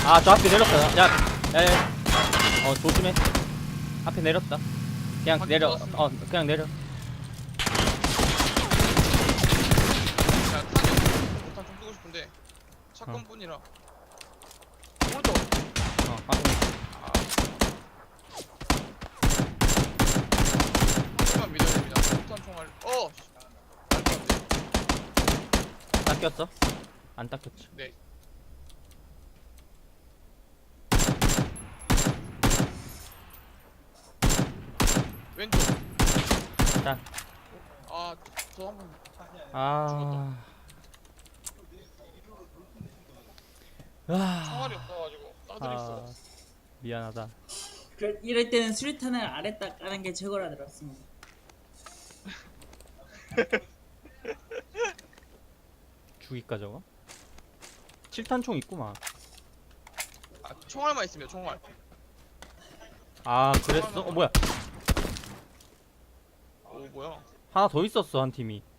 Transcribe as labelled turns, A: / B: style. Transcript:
A: 아, 저 앞에 내렸다. 야, 야, 야. 조심해. 앞에 내렸다. 그냥
B: 바퀴
A: 내려.
B: 뚫었습니다.
A: 그냥 내려.
B: 자, 탄이 못탄 좀 뜨고 싶은데 샷건뿐이라. 오른쪽.
A: 확인.
B: 아. 조금만 믿어야 됩니다. 못탄 총알. 말도 안 돼.
A: 닦였어? 안 닦였지.
B: 네. 왼쪽.
A: 자.
B: 저 한번.
A: 아.
B: 총알이 없어가지고 따들 있어.
A: 미안하다.
C: 이럴 때는 수류탄을 아래 딱 까는 게 최고라 들었습니다.
A: 죽일까 저거? 7탄총 있구만.
B: 총알만 있으면 총알.
A: 아, 그랬어? 뭐야?
B: 오 뭐야?
A: 하나 더 있었어, 한 팀이.